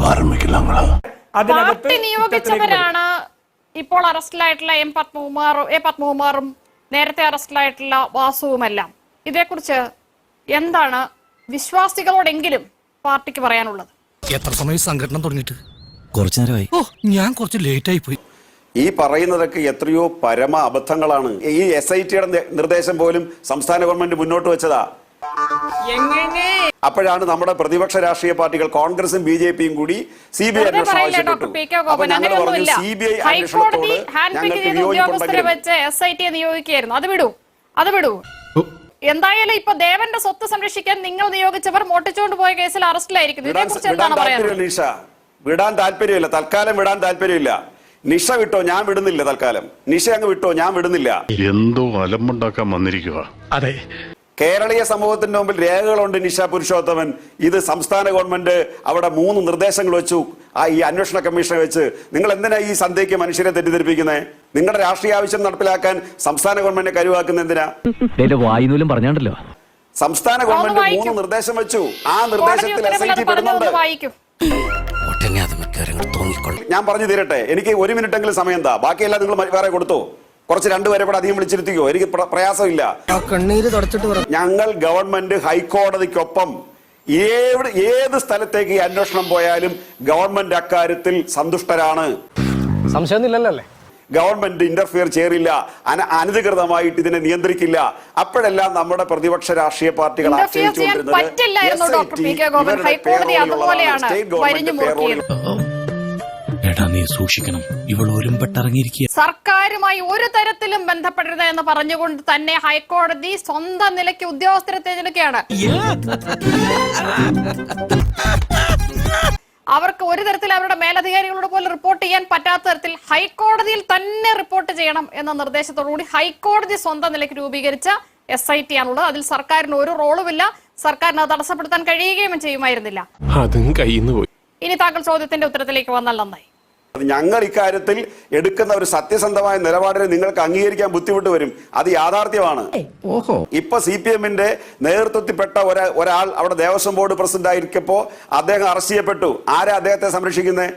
Party നിയോഗിച്ചവരാണ് ഇപ്പോൾ അറസ്റ്റിലായിട്ടുള്ള A പത്മകുമാറും നേരത്തെ അറസ്റ്റിലായിട്ടുള്ള വാസുവുമെല്ലാം. ഇതേക്കുറിച്ച് എന്താണ് വിശ്വാസികളോടെങ്കിലും പാർട്ടിക്ക് പറയാനുള്ളത്? എത്ര സമയം സംഘടന തുടങ്ങിയിട്ട്? കുറച്ചു നേരമായി. ഞാൻ കുറച്ച് ലേറ്റ് ആയി പോയി. ഈ പറയുന്നതൊക്കെ എത്രയോ പരമ അബദ്ധങ്ങളാണ്. ഈ SITയുടെ നിർദ്ദേശം പോലും സംസ്ഥാന ഗവൺമെന്റ് മുന്നോട്ട് വെച്ചതാ. അപ്പോഴാണ് നമ്മുടെ പ്രതിപക്ഷ രാഷ്ട്രീയ പാർട്ടികൾ കോൺഗ്രസും BJPയും കൂടി CBI അന്വേഷണം ആവശ്യപ്പെട്ടു. അപ്പൊ ഞങ്ങൾ പറഞ്ഞു CBI അന്വേഷണത്തോട് ഞങ്ങൾക്ക് വിയോജിപ്പുണ്ടായിരുന്നു. നിയോഗിക്കുകയായിരുന്നു. അത് വിടൂ. എന്തായാലും ഇപ്പൊ ദേവന്റെ സ്വത്ത് സംരക്ഷിക്കാൻ നിങ്ങൾ നിയോഗിച്ചവർ മോട്ടിച്ചുകൊണ്ട് പോയ കേസിൽ അറസ്റ്റിലായിരിക്കുന്നു. ഇതിനെക്കുറിച്ച് എന്താണ് പറയുന്നത്? നിഷ വിടാൻ താല്പര്യമില്ല, തൽക്കാലം വിടാൻ താല്പര്യമില്ല. നിഷ വിട്ടോ, ഞാൻ വിടുന്നില്ല. തൽക്കാലം നിഷ അങ്ങ് വിട്ടോ, ഞാൻ വിടുന്നില്ല. എന്തോ അലമ്പുണ്ടാക്കാൻ വന്നിരിക്കുക. അതെ, കേരളീയ സമൂഹത്തിന്റെ മുമ്പിൽ രേഖകളുണ്ട്. നിഷ പുരുഷോത്തമൻ, ഇത് സംസ്ഥാന ഗവൺമെന്റ് അവിടെ 3 നിർദ്ദേശങ്ങൾ വെച്ചു. ഈ അന്വേഷണ കമ്മീഷനെ വെച്ച് നിങ്ങൾ എന്തിനാ ഈ സന്ധ്യയ്ക്ക് മനുഷ്യരെ തെറ്റിദ്ധരിപ്പിക്കുന്നത്? നിങ്ങളുടെ രാഷ്ട്രീയ ആവശ്യം നടപ്പിലാക്കാൻ സംസ്ഥാന ഗവൺമെന്റിനെ കരുവാക്കുന്ന എന്തിനാ? വായുനൂലും പറഞ്ഞാണ്ടല്ലോ. സംസ്ഥാന ഗവൺമെന്റ് 3 നിർദ്ദേശം വെച്ചു. ആ നിർദ്ദേശത്തിൽ SIT പെടുന്നുണ്ട്. ഞാൻ പറഞ്ഞു തീരട്ടെ, എനിക്ക് 1 മിനിറ്റെങ്കിലും സമയം എന്താ, ബാക്കിയെല്ലാം നിങ്ങൾ വേറെ കൊടുത്തോ. കുറച്ച് 2 പേരെ കൂടെ അധികം വിളിച്ചിരുത്തിക്കോ, എനിക്ക് പ്രയാസമില്ല. ഞങ്ങൾ ഗവൺമെന്റ് ഹൈക്കോടതിക്കൊപ്പം ഏത് സ്ഥലത്തേക്ക് ഈ അന്വേഷണം പോയാലും ഗവൺമെന്റ് അക്കാര്യത്തിൽ സന്തുഷ്ടരാണ്. സംശയമൊന്നുമില്ലല്ലേ? ഗവൺമെന്റ് ഇന്റർഫിയർ ചെയ്യില്ല, അനധികൃതമായിട്ട് ഇതിനെ നിയന്ത്രിക്കില്ല. അപ്പോഴെല്ലാം നമ്മുടെ പ്രതിപക്ഷ രാഷ്ട്രീയ പാർട്ടികൾ സൂക്ഷിക്കണം, ഇവൾ ഒരുമ്പെട്ടിറങ്ങിയിരിക്കുക. സർക്കാരുമായി ഒരു തരത്തിലും ബന്ധപ്പെടരുത് എന്ന് പറഞ്ഞുകൊണ്ട് തന്നെ ഹൈക്കോടതി സ്വന്തം നിലയ്ക്ക് ഉദ്യോഗസ്ഥരെ തിരഞ്ഞെടുക്കുകയാണ്. അവർക്ക് ഒരു തരത്തിൽ അവരുടെ മേലധികാരികളോട് പോലും റിപ്പോർട്ട് ചെയ്യാൻ പറ്റാത്ത തരത്തിൽ ഹൈക്കോടതിയിൽ തന്നെ റിപ്പോർട്ട് ചെയ്യണം എന്ന നിർദ്ദേശത്തോടുകൂടി ഹൈക്കോടതി സ്വന്തം നിലയ്ക്ക് രൂപീകരിച്ച SIT ആണുള്ളത്. അതിൽ സർക്കാരിന് ഒരു റോളുമില്ല. സർക്കാരിന് അത് തടസ്സപ്പെടുത്താൻ കഴിയുകയും ചെയ്യുമായിരുന്നില്ല. ഇനി താങ്കൾ ചോദ്യത്തിന്റെ ഉത്തരത്തിലേക്ക് വന്നാൽ നന്നായി. ഞങ്ങൾ ഇക്കാര്യത്തിൽ എടുക്കുന്ന ഒരു സത്യസന്ധമായ നിലപാടിനെ നിങ്ങൾക്ക് അംഗീകരിക്കാൻ ബുദ്ധിമുട്ട് വരും. അത് യാഥാർത്ഥ്യമാണ്. ഇപ്പൊ CPMന്റെ നേതൃത്വത്തിൽപ്പെട്ട ഒരാൾ അവിടെ ദേവസ്വം ബോർഡ് പ്രസിഡന്റ് ആയിരിക്കപ്പോ അദ്ദേഹം അറസ്റ്റ് ചെയ്യപ്പെട്ടു. ആരാ അദ്ദേഹത്തെ സംരക്ഷിക്കുന്നത്?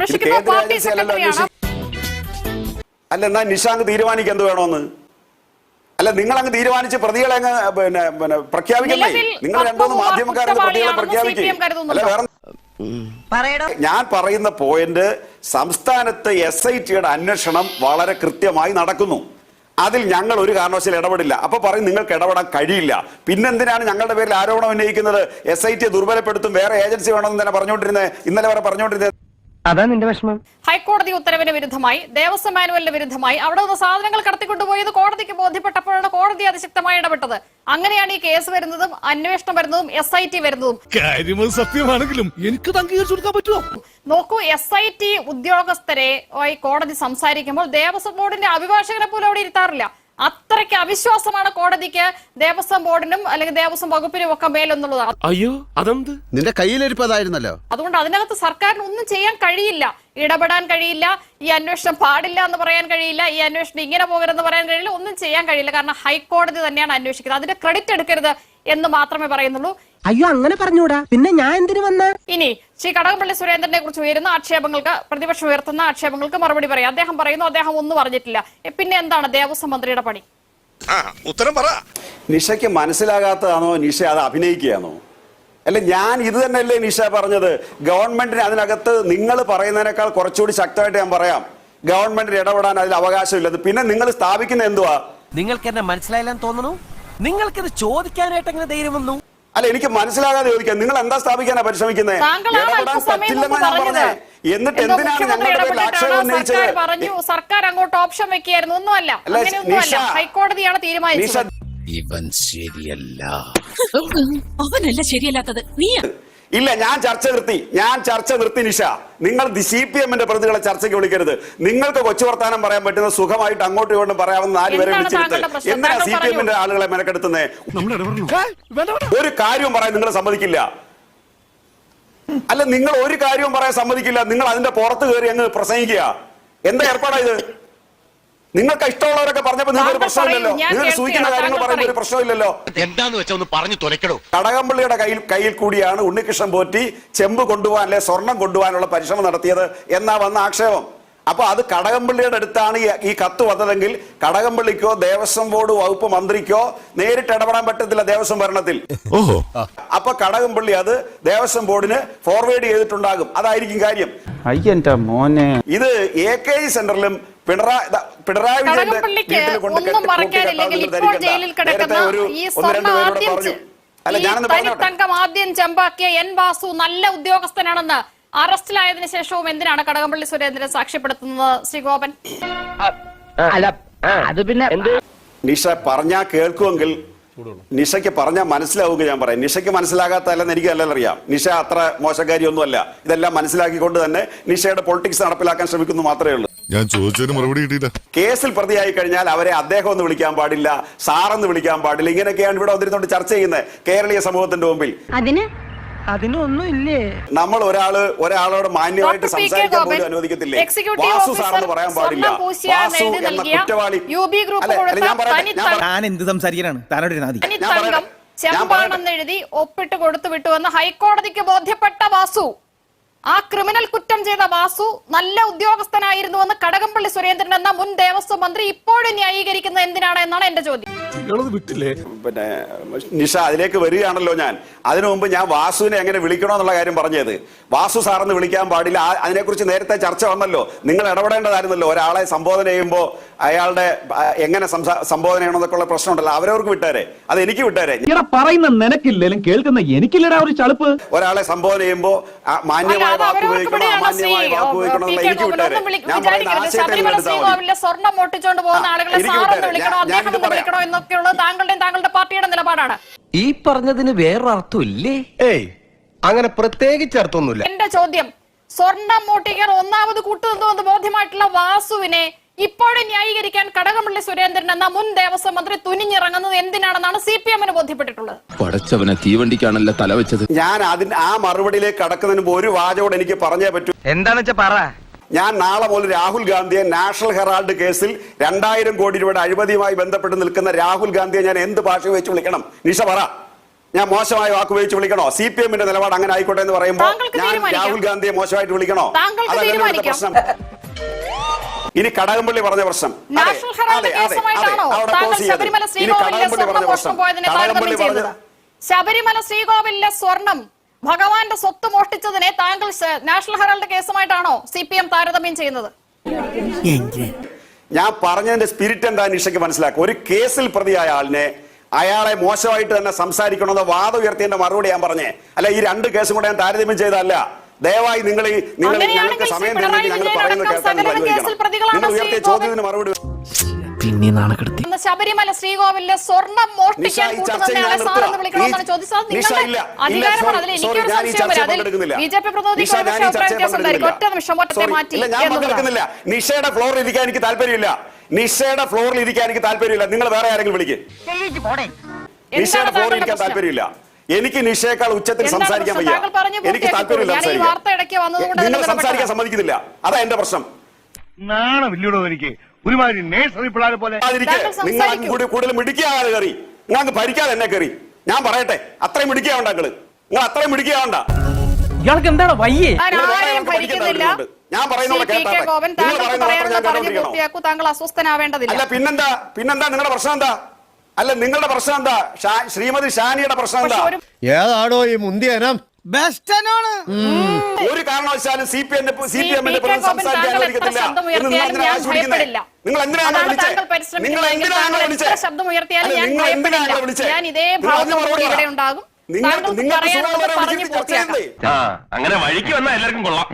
അല്ല, എന്നാ നിഷാങ്ക് തീരുമാനിക്കുക എന്ത് വേണോന്ന്. അല്ല, നിങ്ങൾ അങ്ങ് തീരുമാനിച്ച് പ്രതികളെ അങ്ങ് പിന്നെ പ്രഖ്യാപിക്കണ്ടേ? നിങ്ങൾ 2-3 മാധ്യമക്കാരെ പ്രതികളെ പ്രഖ്യാപിക്കും. അല്ല, വേറെ ഞാൻ പറയുന്ന പോയിന്റ്, സംസ്ഥാനത്ത് SITയുടെ അന്വേഷണം വളരെ കൃത്യമായി നടക്കുന്നു. അതിൽ ഞങ്ങൾ ഒരു കാരണവശാലും ഇടപെടില്ല. അപ്പൊ പറയും നിങ്ങൾക്ക് ഇടപെടാൻ കഴിയില്ല. പിന്നെന്തിനാണ് ഞങ്ങളുടെ പേരിൽ ആരോപണം ഉന്നയിക്കുന്നത്? SIT ദുർബലപ്പെടുത്തും, വേറെ ഏജൻസി വേണമെന്ന് തന്നെ പറഞ്ഞുകൊണ്ടിരുന്നത്, ഇന്നലെ വരെ പറഞ്ഞുകൊണ്ടിരുന്നത്. അതാ നിന്റെ വിഷമം. ഹൈക്കോടതി ഉത്തരവിന് വിരുദ്ധമായി, ദേവസ്വം മാനുവലിന് വിരുദ്ധമായി അവിടെ നിന്ന് സാധനങ്ങൾ കടത്തിക്കൊണ്ടുപോയത് കോടതിക്ക് ബോധ്യപ്പെട്ടപ്പോഴാണ് കോടതി അതിശക്തമായി ഇടപെട്ടത്. അങ്ങനെയാണ് ഈ കേസ് വരുന്നതും അന്വേഷണം വരുന്നതും SIT വരുന്നതും. സത്യമാണെങ്കിലും എനിക്ക് അംഗീകരിച്ചു കൊടുക്കാൻ പറ്റുമോ? നോക്കൂ, SIT ഉദ്യോഗസ്ഥരെ കോടതി സംസാരിക്കുമ്പോൾ ദേവസ്വം ബോർഡിന്റെ അഭിഭാഷകരെ പോലും അവിടെ ഇരുത്താറില്ല. അത്രയ്ക്ക് അവിശ്വാസമാണ് കോടതിക്ക് ദേവസ്വം ബോർഡിനും അല്ലെങ്കിൽ ദേവസ്വം വകുപ്പിനും ഒക്കെ മേലെന്നുള്ളതാണ്. അയ്യോ, അതെന്ത് നിന്റെ കയ്യിലിരിപ്പതായിരുന്നല്ലോ. അതുകൊണ്ട് അതിനകത്ത് സർക്കാരിന് ഒന്നും ചെയ്യാൻ കഴിയില്ല, ഇടപെടാൻ കഴിയില്ല, ഈ അന്വേഷണം പാടില്ല എന്ന് പറയാൻ കഴിയില്ല, ഈ അന്വേഷണം ഇങ്ങനെ പോകരുതെന്ന് പറയാൻ കഴിയില്ല, ഒന്നും ചെയ്യാൻ കഴിയില്ല. കാരണം ഹൈക്കോടതി തന്നെയാണ് അന്വേഷിക്കുന്നത്. അതിന്റെ ക്രെഡിറ്റ് എടുക്കരുത് എന്ന് മാത്രമേ പറയുന്നുള്ളൂ. അയ്യോ, അങ്ങനെ പറഞ്ഞൂടാ, പിന്നെ ഞാൻ എന്തിനു വന്ന? ഇനി ശ്രീ കടകംപള്ളി സുരേന്ദ്രനെ കുറിച്ച് ഉയരുന്ന ആക്ഷേപങ്ങൾക്ക്, പ്രതിപക്ഷം ഉയർത്തുന്ന ആക്ഷേപങ്ങൾക്ക് മറുപടി പറയാം. അദ്ദേഹം പറയുന്നു അദ്ദേഹം ഒന്നും പറഞ്ഞിട്ടില്ല. പിന്നെ എന്താണ് ദേവസ്വം മന്ത്രിയുടെ പണി? ഉത്തരം പറ. നിഷയ്ക്ക് മനസ്സിലാകാത്തതാണോ? നിഷ അത് അഭിനയിക്കുകയാണോ? അല്ല, ഞാൻ ഇത് തന്നെയല്ലേ നിഷ പറഞ്ഞത്? ഗവൺമെന്റിന് അതിനകത്ത് നിങ്ങൾ പറയുന്നതിനേക്കാൾ കുറച്ചുകൂടി ശക്തമായിട്ട് ഞാൻ പറയാം, ഗവൺമെന്റിന് ഇടപെടാൻ അതിൽ അവകാശമില്ലത്. പിന്നെ നിങ്ങൾ സ്ഥാപിക്കുന്ന എന്തുവാ? നിങ്ങൾക്ക് എന്നെ മനസ്സിലായില്ലെന്ന് തോന്നുന്നു. നിങ്ങൾക്കിത് ചോദിക്കാനായിട്ട് എങ്ങനെ ധൈര്യം വന്നു? അല്ല, എനിക്ക് മനസ്സിലാകാതെ ചോദിക്കാം, നിങ്ങൾ എന്താ സ്ഥാപിക്കാനാ പരിശ്രമിക്കുന്നത്? ഇടപെടാൻ പറ്റില്ലെന്ന് ഞാൻ പറഞ്ഞേ. എന്നിട്ട് എന്തിനാണ് ഞങ്ങളുടെ പേരിൽ ആക്ഷേപം ഉന്നയിച്ചത്? സർക്കാർ അങ്ങോട്ട് ഓപ്ഷൻ വെക്കുകയായിരുന്നു. ഒന്നുമല്ല, അങ്ങനെയൊന്നുമല്ല. ഹൈക്കോടതിയാണ് തീരുമാനിച്ചത്. ഇവൻ ശരിയല്ല. അവനല്ല ശരിയല്ലാത്തത്, നീ. ഇല്ല, ഞാൻ ചർച്ച നിർത്തി നിഷ. നിങ്ങൾ CPMന്റെ പ്രതികളെ ചർച്ചയ്ക്ക് വിളിക്കരുത്. നിങ്ങൾക്ക് കൊച്ചു വർത്താനം പറയാൻ പറ്റുന്ന സുഖമായിട്ട് അങ്ങോട്ടും ഇങ്ങോട്ടും പറയാവുന്ന 4 പേരെ വിളിച്ചിരുത്ത്. എന്തിനാ CPMന്റെ ആളുകളെ മെനക്കെടുത്തുന്നേ? ഒരു കാര്യവും പറയാൻ നിങ്ങൾ സമ്മതിക്കില്ല. അല്ല, നിങ്ങൾ ഒരു കാര്യവും പറയാൻ സമ്മതിക്കില്ല. നിങ്ങൾ അതിന്റെ പുറത്ത് കയറി അങ്ങ് പ്രസംഗിക്കുക. എന്താ ഏർപ്പാടാ ഇത്? നിങ്ങൾക്ക് ഇഷ്ടമുള്ളവരൊക്കെ പറഞ്ഞപ്പോൾ നിങ്ങൾക്ക് ഒരു പ്രശ്നമില്ലല്ലോ. നിങ്ങൾ സൂചിക്കുന്ന കാര്യങ്ങൾ പറയുമ്പോൾ ഒരു പ്രശ്നമില്ലല്ലോ. എന്താന്ന് വെച്ചാ ഒന്ന് പറഞ്ഞു തുലക്കടോ. കടകംപള്ളിയുടെ കയ്യിൽ കൂടിയാണ് ഉണ്ണികൃഷ്ണൻ പോറ്റി ചെമ്പ് കൊണ്ടുപോകാൻ അല്ലെ സ്വർണം കൊണ്ടുപോകാനുള്ള പരിശ്രമം നടത്തിയത് എന്നാ വന്ന ആക്ഷേപം. അപ്പൊ അത് കടകംപള്ളിയുടെ അടുത്താണ് ഈ കത്ത് വന്നതെങ്കിൽ കടകംപള്ളിക്കോ ദേവസ്വം ബോർഡ് വകുപ്പ് മന്ത്രിക്കോ നേരിട്ട് ഇടപെടാൻ പറ്റത്തില്ല ദേവസ്വം ഭരണത്തിൽ. അപ്പൊ കടകംപള്ളി അത് ദേവസ്വം ബോർഡിന് ഫോർവേഡ് ചെയ്തിട്ടുണ്ടാകും. അതായിരിക്കും കാര്യം. അയ്യന്റെ മോനെ, ഇത് AK സെന്ററിലും പിണറായി ആദ്യം ചെമ്പാക്കിയ N വാസു നല്ല ഉദ്യോഗസ്ഥനാണെന്ന് അറസ്റ്റിലായതിനു ശേഷവും എന്തിനാണ് കടകംപള്ളി സുരേന്ദ്രൻ സാക്ഷ്യപ്പെടുത്തുന്നത് ശ്രീ ഗോപൻ? അത് പിന്നെ നിഷ പറഞ്ഞാ കേൾക്കുമെങ്കിൽ നിഷയ്ക്ക് പറഞ്ഞാൽ മനസ്സിലാവുക. ഞാൻ പറയാം, നിഷയ്ക്ക് മനസ്സിലാകാത്തല്ലെന്ന് എനിക്ക് നല്ല അറിയാം. നിഷ അത്ര മോശക്കാരിയൊന്നുമല്ല. ഇതെല്ലാം മനസ്സിലാക്കിക്കൊണ്ട് തന്നെ നിഷയുടെ പൊളിറ്റിക്സ് നടപ്പിലാക്കാൻ ശ്രമിക്കുന്നു മാത്രമേ ഉള്ളൂ. ഞാൻ ചോദിച്ചതിന് മറുപടി കിട്ടിയില്ല. കേസിൽ പ്രതിയായി കഴിഞ്ഞാൽ അവരെ അദ്ദേഹം എന്ന് വിളിക്കാൻ പാടില്ല, സാറെന്ന് വിളിക്കാൻ പാടില്ല. ഇങ്ങനെയൊക്കെയാണ് ഇവിടെ വന്നിരുന്നോണ്ട് ചർച്ച ചെയ്യുന്നത് കേരളീയ സമൂഹത്തിന്റെ മുമ്പിൽ. അതിനൊന്നും ഇല്ലേ? നമ്മൾ ഒരാളോട് മാന്യമായിട്ട് സംസാരിക്കാൻ പോലും അനുവദിക്കത്തില്ലേ? വാസു സാറെന്ന് പറയാൻ പാടില്ല. വാസു എന്ന കുറ്റവാളി. ഞാൻ എന്ത് സംസാരിക്കാനാണ് ചെമ്പാണെന്നെഴുതി ഒപ്പിട്ട് കൊടുത്തു വിട്ടുവെന്ന് ഹൈക്കോടതിക്ക് ബോധ്യപ്പെട്ട വാസു, ആ ക്രിമിനൽ കുറ്റം ചെയ്ത വാസു നല്ല ഉദ്യോഗസ്ഥനായിരുന്നുവെന്ന് കടകംപള്ളി സുരേന്ദ്രൻ എന്ന മുൻ ദേവസ്വം മന്ത്രി ഇപ്പോഴും ന്യായീകരിക്കുന്നത് എന്തിനാണ് എന്നാണ് എന്റെ ചോദ്യം. പിന്നെ നിഷ അതിലേക്ക് വരികയാണല്ലോ. ഞാൻ അതിനു മുമ്പ് ഞാൻ വാസുവിനെ എങ്ങനെ വിളിക്കണമെന്നുള്ള കാര്യം പറഞ്ഞത്. വാസു സാറെന്ന് വിളിക്കാൻ പാടില്ല. അതിനെക്കുറിച്ച് നേരത്തെ ചർച്ച വന്നല്ലോ. നിങ്ങൾ ഇടപെടേണ്ടതായിരുന്നല്ലോ. ഒരാളെ സംബോധന ചെയ്യുമ്പോൾ അയാളുടെ എങ്ങനെ സംബോധന ചെയ്യണമെന്നൊക്കെ ഉള്ള പ്രശ്നമുണ്ടല്ലോ. അവരവർക്ക് വിട്ടേരെ, അത് എനിക്ക് വിട്ടേരെ. പറയുന്ന നിനക്കില്ലേലും കേൾക്കുന്ന എനിക്കില്ലടാ ഒരു ചളുപ്പ്. ഒരാളെ സംബോധന ചെയ്യുമ്പോൾ മാന്യമായ വാക്ക് ഉപയോഗിക്കണോ അമാന്യമായ വാക്ക് ഉപയോഗിക്കണോ എന്നുള്ള എനിക്ക് വിട്ടേരെ. ഞാൻ പറയുന്ന സ്വർണ്ണം മോട്ടിച്ചോണ്ട് പോകുന്ന ആളുകളെ സാറെന്ന് വിളിക്കണോ അദ്ദേഹം എന്ന് വിളിക്കണോ എന്നൊക്കെയുള്ളത് താങ്കളുടെയും താങ്കളുടെ പാർട്ടിയുടെ നിലപാടാണ്. ഈ പറഞ്ഞതിന് വേറൊരർത്ഥം ഇല്ലേ? ഏയ്, അങ്ങനെ പ്രത്യേകിച്ച് അർത്ഥമൊന്നുമില്ല. എന്റെ ചോദ്യം, സ്വർണ്ണം മോട്ടിക്കാൻ ഒന്നാമത് കൂട്ടുനിന്നുവെന്ന് ബോധ്യമായിട്ടുള്ള വാസുവിനെ ഇപ്പോഴും ന്യായീകരിക്കാൻ കടകംപള്ളി സുരേന്ദ്രൻ എന്ന മുൻ ദേവസ്വം മന്ത്രി തുനിഞ്ഞിറങ്ങുന്നത് എന്തിനാണെന്നാണ് CPM-ന് ബോധ്യപ്പെട്ടിട്ടുള്ളത്. പടച്ചവനെ തീവണ്ടിക്കാണല്ലോ തല വെച്ചത്. ഞാൻ ആ മറുപടിയിലേക്ക് കടക്കുന്നതിന് മുമ്പ് ഒരു വാചകോട് എനിക്ക് പറഞ്ഞേ പറ്റൂ. എന്താന്ന് വെച്ചാ പറ. ഞാൻ നാളെ മുതൽ രാഹുൽ ഗാന്ധിയെ നാഷണൽ ഹെറാൾഡ് കേസിൽ 2000 കോടി രൂപയുടെ അഴിമതിയുമായി ബന്ധപ്പെട്ട് നിൽക്കുന്ന രാഹുൽ ഗാന്ധിയെ ഞാൻ എന്ത് ഭാഷ വെച്ച് വിളിക്കണം? നിഷ പറ. ഞാൻ മോശമായ വാക്ക് ഉപയോഗിച്ച് വിളിക്കണോ? CPM-ന്റെ നിലപാട് അങ്ങനെ ആയിക്കോട്ടെ എന്ന് പറയുമ്പോൾ ഞാൻ രാഹുൽ ഗാന്ധിയെ മോശമായിട്ട് വിളിക്കണോ? അതല്ല പ്രശ്നം. ഇനി കടകംപള്ളി പറഞ്ഞ പ്രശ്നം, ശബരിമല ശ്രീകോവിലെ സ്വർണം ഭഗവാന്റെ സ്വത്ത് മോഷ്ടിച്ചതിനെ താങ്കൾ നാഷണൽ ഹെറാൾഡ് കേസുമായിട്ടാണോ CPM താരതമ്യം ചെയ്യുന്നത്? ഞാൻ പറഞ്ഞതിന്റെ സ്പിരിറ്റ് എന്താ നിഷയ്ക്ക് മനസ്സിലാക്കുക. ഒരു കേസിൽ പ്രതിയായ ആളിനെ അയാളെ മോശമായിട്ട് തന്നെ സംസാരിക്കണമെന്ന് വാദം ഉയർത്തിയതിന്റെ മറുപടി ഞാൻ പറഞ്ഞേ. അല്ല, ഈ 2 കേസും കൂടെ ഞാൻ താരതമ്യം ചെയ്തല്ല. ദയവായി ഞങ്ങൾക്ക് സമയം തരുന്നെങ്കിൽ ഞങ്ങൾ പറയുന്നത് കേൾക്കാൻ നിങ്ങൾ ഉയർത്തിയ ചോദ്യത്തിന് മറുപടി. പിന്നെ നാണക്കെടുത്തി ശബരിമല ശ്രീകോവിലെ സ്വർണം മോഷ്ടിക്കാൻ നിഷയുടെ ഫ്ലോറിൽ ഇരിക്കാൻ എനിക്ക് താല്പര്യമില്ല. നിഷയുടെ ഫ്ലോറിൽ ഇരിക്കാൻ എനിക്ക് താല്പര്യമില്ല. നിങ്ങൾ വേറെ ആരെങ്കിലും വിളിക്ക്. നിഷയുടെ ഫ്ലോറിൽ ഇരിക്കാൻ താല്പര്യമില്ല. എനിക്ക് നിഷയേക്കാൾ ഉച്ചത്തിൽ സംസാരിക്കാൻ വയ്യ. എനിക്ക് താല്പര്യമില്ല സംസാരിക്കാൻ. നിങ്ങൾ സംസാരിക്കാൻ സമ്മതിക്കുന്നില്ല. അതാ എന്റെ പ്രശ്നം. എനിക്ക് ഒരുമാതിരി നേഴ്സറി പിള്ളേരെ പോലെ നിങ്ങൾ കൂടുതൽ മിടിക്കാതെ കയറി. നിങ്ങൾക്ക് ഭരിക്കാതെ എന്നെ കയറി. ഞാൻ പറയട്ടെ, അത്രയും മിടിക്കാവണ്ട നിങ്ങൾ അത്രയും മിടിക്കാവണ്ട. ഇയാൾക്ക് എന്താണ് വയ്യേ? ഞാൻ പറയുന്നത് അല്ല. പിന്നെന്താ നിങ്ങളുടെ പ്രശ്നം എന്താ? അല്ല, നിങ്ങളുടെ പ്രശ്നം എന്താ? ശ്രീമതി ഷാനിയുടെ പ്രശ്നം എന്താ? ഏതാണോ ഈ മുന്തിയനം? ഒരു കാരണവശാലും CPM-ന്റെ സംസാരിക്കാൻ അനുവദിക്കത്തില്ല. നിങ്ങൾ എന്തിനാണ് വിളിച്ചത്? നിങ്ങൾ എന്തിനാണ് വിളിച്ചത്? അങ്ങനെ വഴിക്ക് വന്നാൽ എല്ലാവർക്കും കൊള്ളാം.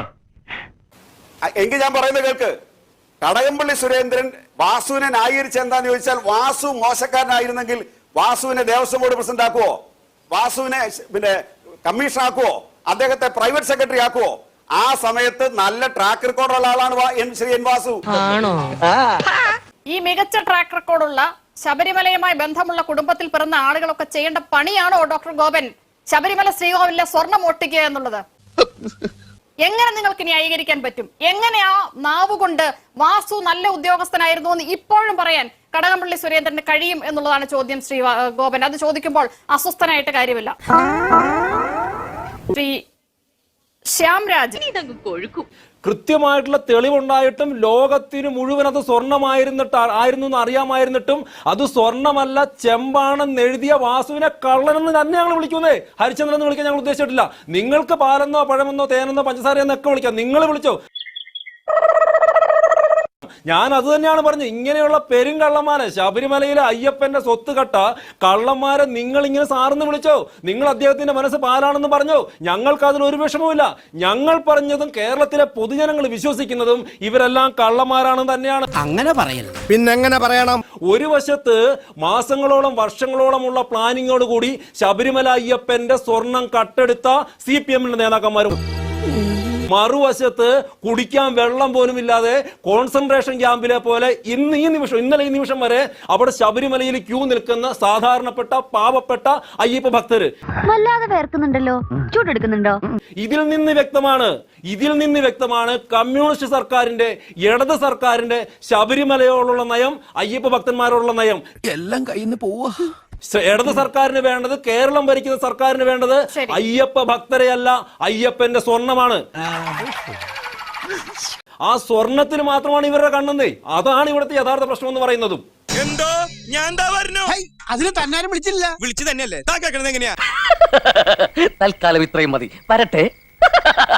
എങ്കിൽ ഞാൻ പറയുന്നത് കേൾക്ക്. കടകംപള്ളി സുരേന്ദ്രൻ വാസുവിനെ ന്യായീകരിച്ച് എന്താന്ന് ചോദിച്ചാൽ, വാസു മോശക്കാരനായിരുന്നെങ്കിൽ വാസുവിനെ ദേവസ്വം ബോർഡ് പ്രസിഡന്റ് ആക്കുവോ? വാസുവിനെ പിന്നെ കമ്മീഷൻ ആക്കുവോ? അദ്ദേഹത്തെ പ്രൈവറ്റ് സെക്രട്ടറി ആക്കുവോ? ആ സമയത്ത് നല്ല ട്രാക്ക് റെക്കോർഡുള്ള ആളാണ് ശ്രീ N വാസു. ഈ മികച്ച ട്രാക്ക് റെക്കോർഡുള്ള ശബരിമലയുമായി ബന്ധമുള്ള കുടുംബത്തിൽ പിറന്ന ആളുകളൊക്കെ ചെയ്യേണ്ട പണിയാണോ ഡോക്ടർ ഗോപൻ ശബരിമല ശ്രീകോവിലെ സ്വർണം ഒട്ടിക്കുക എന്നുള്ളത്? എങ്ങനെ നിങ്ങൾക്ക് ന്യായീകരിക്കാൻ പറ്റും? എങ്ങനെ ആ നാവുകൊണ്ട് വാസു നല്ല ഉദ്യോഗസ്ഥനായിരുന്നു എന്ന് ഇപ്പോഴും പറയാൻ കടകംപള്ളി സുരേന്ദ്രന് കഴിയും എന്നുള്ളതാണ് ചോദ്യം. ശ്രീ ഗോപൻ, അത് ചോദിക്കുമ്പോൾ അസ്വസ്ഥനായിട്ട് കാര്യമില്ല. ശ്രീ ശ്യാംരാജ്, കൃത്യമായിട്ടുള്ള തെളിവുണ്ടായിട്ടും ലോകത്തിന് മുഴുവൻ അത് ആയിരുന്നു എന്ന് അറിയാമായിരുന്നിട്ടും അത് സ്വർണ്ണമല്ല ചെമ്പാണെന്ന് എഴുതിയ വാസുവിനെ കള്ളനെന്ന് തന്നെ ഞങ്ങൾ വിളിക്കുന്നേ. ഹരിചന്ദ്രൻ എന്ന് വിളിക്കാൻ ഞങ്ങൾ ഉദ്ദേശിച്ചിട്ടില്ല. നിങ്ങൾക്ക് പാലെന്നോ പഴമെന്നോ തേനെന്നോ പഞ്ചസാരയെന്നൊക്കെ വിളിക്കാം, നിങ്ങൾ വിളിച്ചോ. ഞാൻ അത് തന്നെയാണ് പറഞ്ഞത്. ഇങ്ങനെയുള്ള പെരുങ്കള്ളന്മാരെ, ശബരിമലയിലെ അയ്യപ്പന്റെ സ്വത്ത് കട്ട കള്ളന്മാരെ നിങ്ങൾ ഇങ്ങനെ സാറെന്ന് വിളിച്ചോ. നിങ്ങൾ അദ്ദേഹത്തിന്റെ മനസ്സ് പാലാണെന്ന് പറഞ്ഞോ. ഞങ്ങൾക്ക് അതിലൊരു വിഷമവുമില്ല. ഞങ്ങൾ പറഞ്ഞതും കേരളത്തിലെ പൊതുജനങ്ങൾ വിശ്വസിക്കുന്നതും ഇവരെല്ലാം കള്ളന്മാരാണെന്ന് തന്നെയാണ്. അങ്ങനെ പറയരുത്. പിന്നെങ്ങനെ പറയണം? ഒരു വശത്ത് മാസങ്ങളോളം വർഷങ്ങളോളമുള്ള പ്ലാനിങ്ങോട് കൂടി ശബരിമല അയ്യപ്പന്റെ സ്വർണം കട്ടെടുത്ത CPM നേതാക്കന്മാരും, മറുവശത്ത് കുടിക്കാൻ വെള്ളം പോലും ഇല്ലാതെ കോൺസെൻട്രേഷൻ ക്യാമ്പിലെ പോലെ ഇന്നലെ ഈ നിമിഷം വരെ അവിടെ ശബരിമലയിൽ ക്യൂ നിൽക്കുന്ന സാധാരണപ്പെട്ട പാവപ്പെട്ട അയ്യപ്പ ഭക്തര് വല്ലാതെ വേർക്കുന്നുണ്ടല്ലോ, ചൂടെടുക്കുന്നുണ്ടോ? ഇതിൽ നിന്ന് വ്യക്തമാണ് കമ്മ്യൂണിസ്റ്റ് സർക്കാരിന്റെ, ഇടത് സർക്കാരിന്റെ ശബരിമലയോടുള്ള നയം, അയ്യപ്പ ഭക്തന്മാരോടുള്ള നയം. എല്ലാം കയ്യിൽ നിന്ന് പോവാ. ഇടത് സർക്കാരിന് വേണ്ടത്, കേരളം ഭരിക്കുന്ന സർക്കാരിന് വേണ്ടത് അയ്യപ്പ ഭക്തരെയല്ല, അയ്യപ്പന്റെ സ്വർണമാണ്. ആ സ്വർണത്തിന് മാത്രമാണ് ഇവരുടെ കണ്ണെന്നേ. അതാണ് ഇവിടുത്തെ യഥാർത്ഥ പ്രശ്നം എന്ന് പറയുന്നതും. എന്തോ ഞാൻ അതിന് തന്നാരും വിളിച്ചില്ല. വിളിച്ചു തന്നെയല്ലേ. എങ്ങനെയാ? തൽക്കാലം ഇത്രയും മതി. വരട്ടെ.